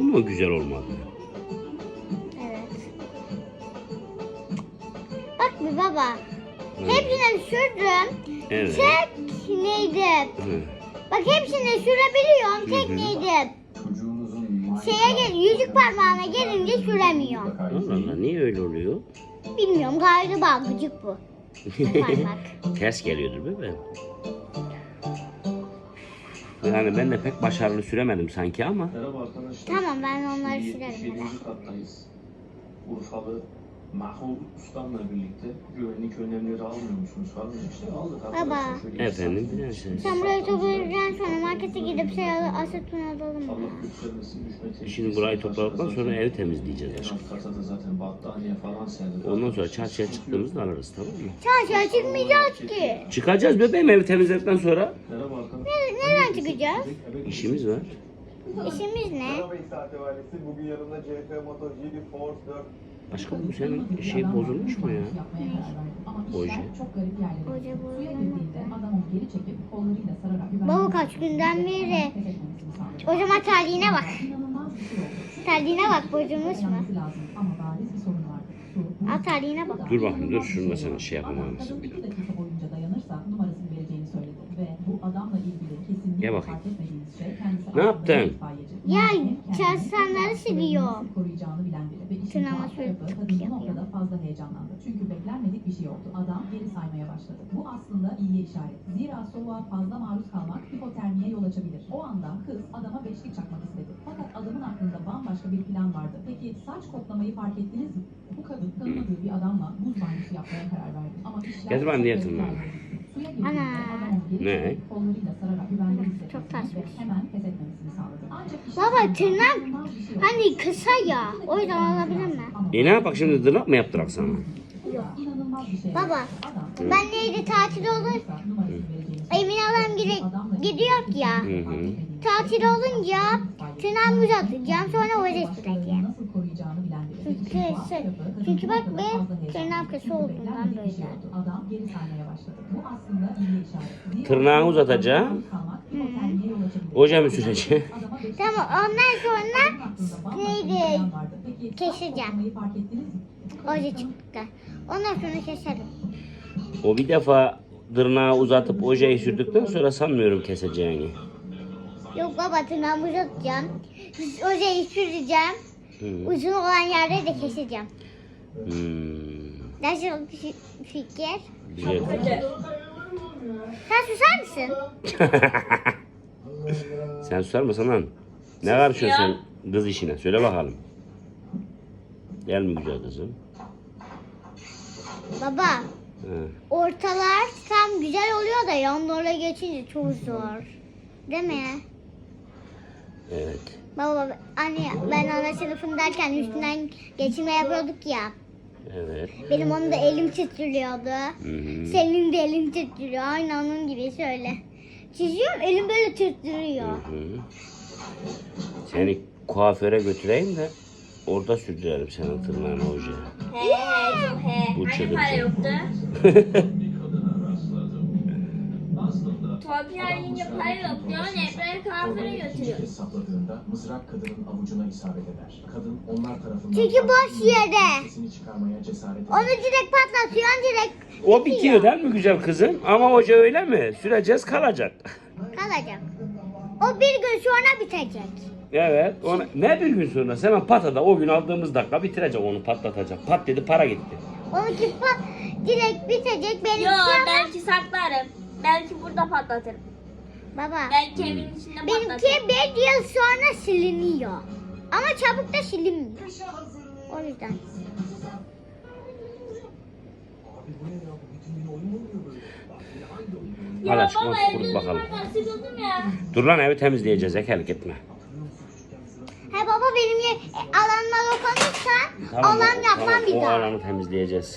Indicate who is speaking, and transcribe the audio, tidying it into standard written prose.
Speaker 1: Bu mu güzel olmadı?
Speaker 2: Evet. Bak bir baba. Hepsini sürdüm.
Speaker 1: Evet.
Speaker 2: Tek neydi?
Speaker 1: Hı.
Speaker 2: Bak hepsini sürebiliyorum. Tek neydi? Yüzük parmağına gelince süremiyorum.
Speaker 1: Allah Allah, niye öyle oluyor?
Speaker 2: Bilmiyorum, galiba gıcık bu. Parmak.
Speaker 1: Ters geliyordur bebeğim. Yani ben de pek başarılı süremedim sanki ama.
Speaker 3: Merhaba arkadaşlar.
Speaker 2: Tamam, ben onları sürerim.
Speaker 3: 7. kattayız. Urfalı Mahmut Ustam'la birlikte güvenlik önlemleri almıyor musunuz falan işte aldık arkadaşlar.
Speaker 2: Baba.
Speaker 3: Şöyle
Speaker 1: Efendim,
Speaker 3: isterseniz.
Speaker 1: bilirsiniz.
Speaker 2: Sen burayı toplayacaksın, sonra markete gidip aseton alalım mı?
Speaker 3: Allah göstermesin, düşme tehlikesi
Speaker 1: Şimdi burayı
Speaker 3: başka
Speaker 1: topladıktan sonra
Speaker 3: zaten.
Speaker 1: evi temizleyeceğiz
Speaker 3: En
Speaker 1: aşkım.
Speaker 3: alt kata da zaten battaniye falan serdik.
Speaker 1: Ondan sonra çarşıya çıktığımızda alırız, tamam mı?
Speaker 2: Çarşıya çıkmayacağız ki.
Speaker 1: Çıkacağız bebeğim evi temizledikten sonra.
Speaker 3: Merhaba arkadaşlar.
Speaker 2: Nereden çıkacağız?
Speaker 1: İşimiz var.
Speaker 2: İşimiz ne?
Speaker 4: Merhaba İhsati Valisi. Bugün yanımda CF Moto GD Force 4
Speaker 1: Aşkım bu senin şey bozulmuş mu ya? Oje.
Speaker 2: Hoca Baba kaç günden beri. O zaman terliğine bak. Terliğine bak, bozulmuş mu? Al terliğine bak.
Speaker 1: Dur bakayım, dur şunu da sana şey yapamam mısın bir dakika. Gel bakayım. Ne yaptın?
Speaker 2: Ya çalışanları siliyor. Tırnağıma şöyle tık yapıyor.
Speaker 5: fazla heyecanlandı. Çünkü beklenmedik bir şey oldu. Adam geri saymaya başladı. Bu aslında iyiye işaret. Zira soğuğa fazla maruz kalmak hipotermiye yol açabilir. O anda kız adama beşlik çakmak istedi. Fakat adamın aklında bambaşka bir plan vardı. Peki saç koklamayı fark ettiniz mi? Bu kadın tanımadığı bir adamla buz banyosu yapmaya karar verdi. Ama işler
Speaker 1: Getir ben diye
Speaker 5: çok
Speaker 1: tırnağı.
Speaker 5: tehlikeli. Suya girdiğinde
Speaker 2: Ana.
Speaker 5: adam geri
Speaker 1: Ne?
Speaker 5: çekip kollarıyla sararak güvende hissetmesini
Speaker 2: Çok taşmış.
Speaker 5: ve hemen pes etmemesini sağladı. Ancak işin
Speaker 2: Baba
Speaker 5: sonunda
Speaker 2: tırnak
Speaker 5: inanılmaz bir şey oldu.
Speaker 2: hani kısa ya. O yüzden olabilir mi?
Speaker 1: E ne yapak şimdi, tırnak mı yaptırak sana?
Speaker 5: İnanılmaz bir şey.
Speaker 2: Baba ben neydi tatil olur. Emin adam gidiyor ya.
Speaker 1: Hı hı.
Speaker 2: Tatil olunca tırnağımı uzatacağım, sonra oraya süreceğim.
Speaker 5: Nasıl koruyacağını bilen biri.
Speaker 2: Çünkü bak be, tırnağım kısa olduğundan böyle.
Speaker 5: Adam geri saymaya başladı. Bu aslında iyi işaret.
Speaker 1: Tırnağını uzatacağım. Oje mi süreceğim?
Speaker 2: Tamam, ondan sonra neydi keseceğim. Oraya çıktı. Ondan sonra keserim.
Speaker 1: O bir defa tırnağı uzatıp ojeyi sürdükten sonra sanmıyorum keseceğini.
Speaker 2: Yok baba, tırnağımı uzatacağım. Oraya süreceğim.
Speaker 1: Hı.
Speaker 2: Uzun olan yerde de keseceğim.
Speaker 1: Hmm.
Speaker 2: Nasıl bir fikir?
Speaker 1: Güzel.
Speaker 2: Sen susar mısın?
Speaker 1: Sen susar mısın lan? Ne karışıyorsun sen kız işine? Söyle bakalım. Gel mi güzel kızım?
Speaker 2: Baba,
Speaker 1: He.
Speaker 2: ortalar tam güzel oluyor da yanlarına geçince çok zor. Değil mi?
Speaker 1: Evet.
Speaker 2: Baba, anne ben ana sınıfındayken üstünden geçirme yapıyorduk ya.
Speaker 1: Evet.
Speaker 2: Benim onun da elim titriyordu.
Speaker 1: Hı-hı.
Speaker 2: Senin de elin titriyor. Aynı onun gibi şöyle. Çiziyorum, elim böyle titriyor.
Speaker 1: Hı-hı. Seni kuaföre götüreyim de orada sürdürelim senin tırnağını oje. Bu
Speaker 6: Hani
Speaker 1: çılgın.
Speaker 6: para yoktu? Torpil yiyince para yok diyor. Nebre'ye kahvere götürüyor.
Speaker 3: Hesapladığında mızrak kadının avucuna isabet eder. Kadın onlar tarafından
Speaker 2: Çünkü boş yere.
Speaker 3: sesini çıkarmaya cesaret eder.
Speaker 2: Onu direkt patlatıyorsun, direkt
Speaker 1: O bitiyor değil mi güzel kızım? Ama oje öyle mi? Süreceğiz, kalacak.
Speaker 2: kalacak. O bir gün sonra bitecek.
Speaker 1: Evet. Ona, ne bir gün sonra? Hemen patada o gün aldığımız dakika bitirecek, onu patlatacak. Pat dedi, para gitti.
Speaker 2: Onunki direkt bitecek. Benimki
Speaker 6: Yo,
Speaker 2: ama
Speaker 6: belki saklarım. Belki burada patlatırım.
Speaker 2: baba.
Speaker 6: Belki evin içinde
Speaker 2: Benimki
Speaker 6: patlatırım.
Speaker 2: bir yıl sonra siliniyor. Ama çabuk da silinmiyor. O yüzden.
Speaker 1: Hadi aşkım,
Speaker 6: baba
Speaker 1: kurut
Speaker 6: evde
Speaker 1: bakalım.
Speaker 6: durmaktan sıkıldım ya.
Speaker 1: Dur lan, evi temizleyeceğiz, ekelik etme.
Speaker 2: He baba, benim alanıma dokunursan
Speaker 1: Tamam,
Speaker 2: alan yapmam bir
Speaker 1: o
Speaker 2: daha.
Speaker 1: alanı temizleyeceğiz.